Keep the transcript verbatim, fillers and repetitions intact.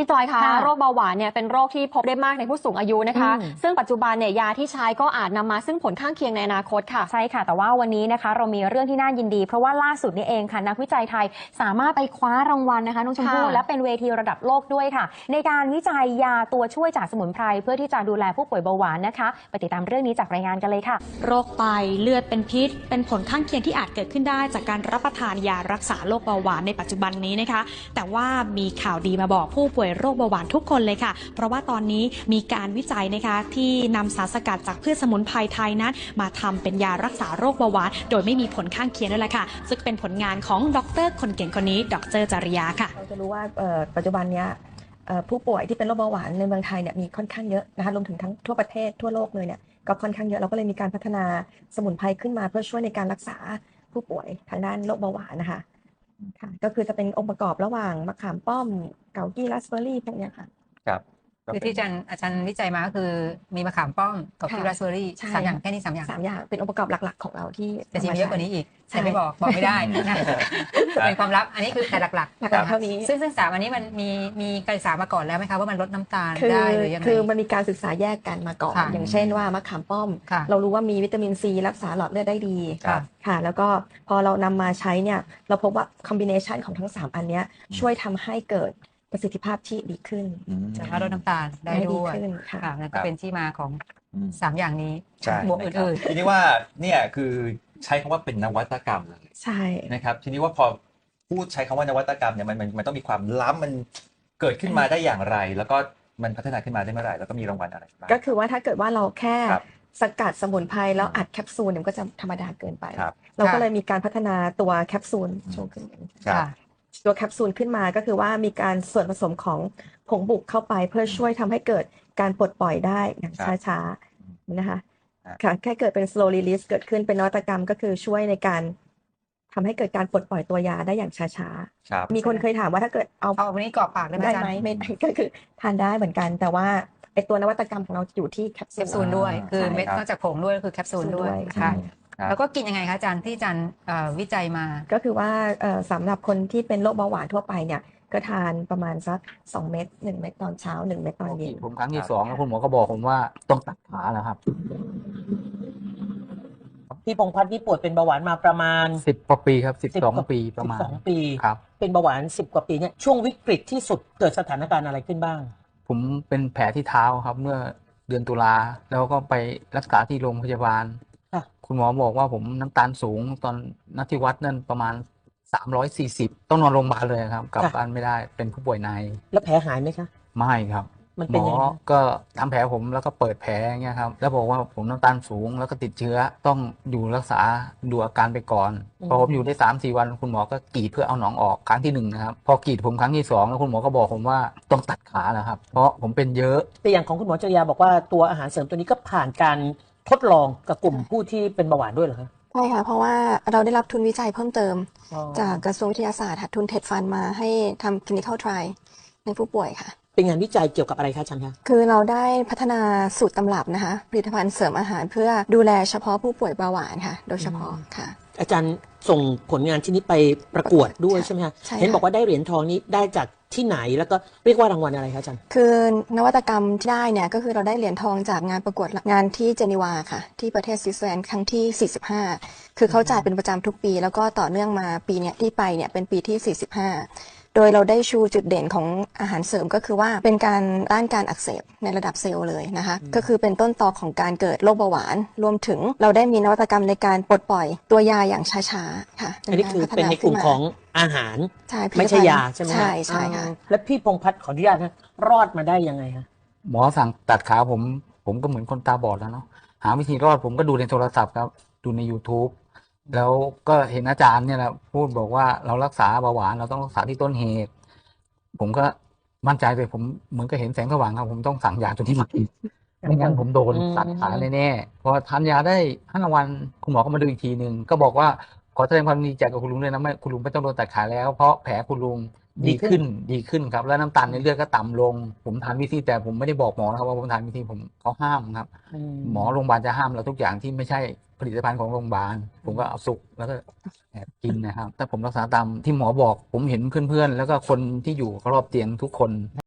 พี่จอยคะโรคเบาหวานเนี่ยเป็นโรคที่พบได้มากในผู้สูงอายุนะคะซึ่งปัจจุบันเนี่ยยาที่ใช้ก็อาจนำมาซึ่งผลข้างเคียงในอนาคตค่ะใช่ค่ะแต่ว่าวันนี้นะคะเรามีเรื่องที่น่ายินดีเพราะว่าล่าสุดนี้เองค่ะนักวิจัยไทยสามารถไปคว้ารางวัลนะคะน้องชมพู่และเป็นเวทีระดับโลกด้วยค่ะในการวิจัยยาตัวช่วยจากสมุนไพรเพื่อที่จะดูแลผู้ป่วยเบาหวานนะคะไปติดตามเรื่องนี้จากรายงานกันเลยค่ะโรคไตเลือดเป็นพิษเป็นผลข้างเคียงที่อาจเกิดขึ้นได้จากการรับประทานยารักษาโรคเบาหวานในปัจจุบันนี้นะคะแต่ว่ามีข่าวดีมาบอกผู้ป่วยโรคเบาหวานทุกคนเลยค่ะเพราะว่าตอนนี้มีการวิจัยนะคะที่นำสารสกัดจากพืชสมุนไพรไทยนั้นมาทำเป็นยารักษาโรคเบาหวานโดยไม่มีผลข้างเคียงด้วยแหละค่ะซึ่งเป็นผลงานของดรคนเก่งคนนี้ดรจริยาค่ะเราจะรู้ว่าปัจจุบันนี้ผู้ป่วยที่เป็นโรคเบาหวานในเมืองไทยเนี่ยมีค่อนข้างเยอะนะคะรวมถึงทั้งทั่วประเทศทั่วโลกเลยเนี่ยก็ค่อนข้างเยอะเราก็เลยมีการพัฒนาสมุนไพรขึ้นมาเพื่อช่วยในการรักษาผู้ป่วยทางด้านโรคเบาหวานนะคะค่ะก็คือจะเป็นองค์ประกอบระหว่างมะขามป้อมเกากี้ราสเบอร์รี่พวกนี้ค่ะครับคือที่อาจารย์อาจารย์วิจัยมาก็คือมีมะขามป้อมกับที่ราสเบอร์รี่สามอย่างแค่นี้สามอย่างสามอย่างเป็นองค์ประกอบหลักๆของเราที่จะจริงเยอะกว่านี้อีกแต่ไม่บอกบอกไม่ได้เป็นความลับอันนี้คือแต่หลักๆหลักๆเท่านี้ซึ่งซึ่งสามอันนี้มันมีมีการศึกษามาก่อนแล้วไหมคะว่ามันลดน้ำตาลได้หรือยังไงคือมันมีการศึกษาแยกกันมาก่อนอย่างเช่นว่ามะขามป้อมเรารู้ว่ามีวิตามินซีรักษาหลอดเลือดได้ดีค่ะแล้วก็พอเรานำมาใช้เนี่ยเราพบว่าคอมบิเนชันของทั้งสามอันนี้ช่วยทำให้เกิดประสิทธิภาพที่ดีขึ้นสามารถลดน้ำตาลได้ด้วยค่ะนั่นก็เป็นที่มาของสามอย่างนี้บวกอื่นๆทีนี้ว่าเนี่ยคือใช้คำว่าเป็นนวัตกรรมเลยใช่นะครับทีนี้ว่าพอพูดใช้คำว่านวัตกรรมเนี่ยมันมันมันต้องมีความล้ำมันเกิดขึ้นมาได้อย่างไรแล้วก็มันพัฒนาขึ้นมาได้เมื่อไหร่แล้วก็มีรางวัลอะไรบ้างก็คือว่าถ้าเกิดว่าเราแค่สกัดสมุนไพรแล้วอัดแคปซูลเนี่ยก็จะธรรมดาเกินไปเราก็เลยมีการพัฒนาตัวแคปซูลโชว์ขึ้นตัวแคปซูลขึ้นมาก็คือว่ามีการส่วนผสมของผงบุกเข้าไปเพื่อช่วยทำให้เกิดการปลดปล่อยได้อย่างช้าๆนะคะค่ะแค่เกิดเป็น slow release เกิดขึ้นเป็นนวัตกรรมก็คือช่วยในการทำให้เกิดการปลดปล่อยตัวยาได้อย่างช้าๆมีคนเคยถามว่าถ้าเกิดเอาเอาวันนี้กรอกปากได้ไหมไม่ก็คือทานได้เหมือนกันแต่ว่าไอตัวนวัตกรรมของเราอยู่ที่แคปซูลด้วยคือเม็ดนอกจากผงด้วยคือแคปซูลด้วยค่ะแล้วก็กินยังไงคะอาจารย์ที่อาจารย์วิจัยมาก็คือว่าสำหรับคนที่เป็นโรคเบาหวานทั่วไปเนี่ยก็ทานประมาณสักสองเม็ดหนึ่งเม็ดตอนเช้าหนึ่งเม็ดตอนเย็นผมครั้งที่สองแล้วคุณหมอก็บอกผมว่าต้องตัดขาแล้วครับพี่พงษ์พัฒน์นี่ป่วยเป็นเบาหวานมาประมาณสิบกว่าปีครับสิบสองปีประมาณสิบสองปีครับเป็นเบาหวานสิบกว่าปีเนี่ยช่วงวิกฤตที่สุดเกิดสถานการณ์อะไรขึ้นบ้างผมเป็นแผลที่เท้าครับเมื่อเดือนตุลาแล้วก็ไปรักษาที่โรงพยาบาลคุณหมอบอกว่าผมน้ำตาลสูงตอนนัดที่วัดนั่นประมาณสามร้อยสี่สิบต้องนอนโรงพยาบาลเลยครับกลับบ้านไม่ได้เป็นผู้ป่วยในแล้วแผลหายไหมคะไม่ครับหมอก็ทำแผลผมแล้วก็เปิดแผลอย่างเงี้ยครับแล้วบอกว่าผมน้ำตาลสูงแล้วก็ติดเชื้อต้องอยู่รักษาดูอาการไปก่อนพอผมอยู่ได้สามสี่วันคุณหมอก็กรีดเพื่อเอาหนองออกครั้งที่หนึ่งนะครับพอกรีดผมครั้งที่สองแล้วคุณหมอก็บอกผมว่าต้องตัดขาแล้วครับเพราะผมเป็นเยอะแต่อย่างของคุณหมอจริยาบอกว่าตัวอาหารเสริมตัวนี้ก็ผ่านการทดลองกับกลุ่มผู้ที่เป็นเบาหวานด้วยเหรอคะใช่ค่ะเพราะว่าเราได้รับทุนวิจัยเพิ่มเติมจากกระทรวงวิทยาศาสตร์ทุนเท็ดฟันมาให้ทำ clinical trial ในผู้ป่วยค่ะเป็นงานวิจัยเกี่ยวกับอะไรคะอาจารย์คะคือเราได้พัฒนาสูตรตำรับนะคะผลิตภัณฑ์เสริมอาหารเพื่อดูแลเฉพาะผู้ป่วยเบาหวานค่ะโดยเฉพาะค่ะอาจารย์ส่งผลงานชิ้นนี้ไปประกวดด้วยใช่ไหมคะเห็นบอกว่าได้เหรียญทองนี้ได้จากที่ไหนแล้วก็เรียกว่ารางวัลอะไรคะอาจารย์คือนวัตกรรมที่ได้เนี่ยก็คือเราได้เหรียญทองจากงานประกวดงานที่เจนีวาค่ะที่ประเทศสวิตเซอร์แลนด์ครั้งที่สี่สิบห้าคือเขาจ่ายเป็นประจำทุกปีแล้วก็ต่อเนื่องมาปีเนี้ยที่ไปเนี่ยเป็นปีที่สี่สิบห้าโดยเราได้ชูจุดเด่นของอาหารเสริมก็คือว่าเป็นการต้านการอักเสบในระดับเซลล์เลยนะคะก็คือเป็นต้นตอของการเกิดโรคเบาหวานรวมถึงเราได้มีนวัตกรรมในการปลดปล่อยตัวยาอย่างช้าๆค่ะอันนี้คือเป็นในกลุ่มของอาหารไม่ใช่ยาใช่ไหมใช่ใช่ค่ะแล้วพี่พงษ์พัฒน์ขออนุญาตนะรอดมาได้ยังไงคะหมอสั่งตัดขาผมผมก็เหมือนคนตาบอดแล้วเนาะหาวิธีรอดผมก็ดูในโทรศัพท์ครับดูใน YouTubeแล้วก็เห็นอาจารย์เนี่ยแหละพูดบอกว่าเรารักษาเบาหวานเราต้องรักษาที่ต้นเหตุผมก็มั่นใจเลยผมเหมือนก็เห็นแสงสว่างครับผมต้องสั่งยาตัวนี้มากินไม่งั้นผมโดนตัดขาแน่ๆพอทานยาได้ห้าวันคุณหมอก็มาดูอีกทีหนึ่งก็บอกว่าขอแสดงความดีใจกับคุณลุงเลยนะไม่คุณลุงไม่ต้องโดนตัดขาแล้วเพราะแผลคุณลุงดีขึ้นดีขึ้นครับแล้วน้ำตาลในเลือดก็ต่ำลงผมทานวิธีแต่ผมไม่ได้บอกหมอนะครับว่าผมทานวิธีผมเขาห้ามครับหมอโรงพยาบาลจะห้ามเราทุกอย่างที่ไม่ใช่ผลิตภัณฑ์ของโรงพยาบาลผมก็เอาสุกแล้วก็แอบกินนะครับแต่ผมรักษาตามที่หมอบอกผมเห็นเพื่อนๆแล้วก็คนที่อยู่รอบเตียงทุกคน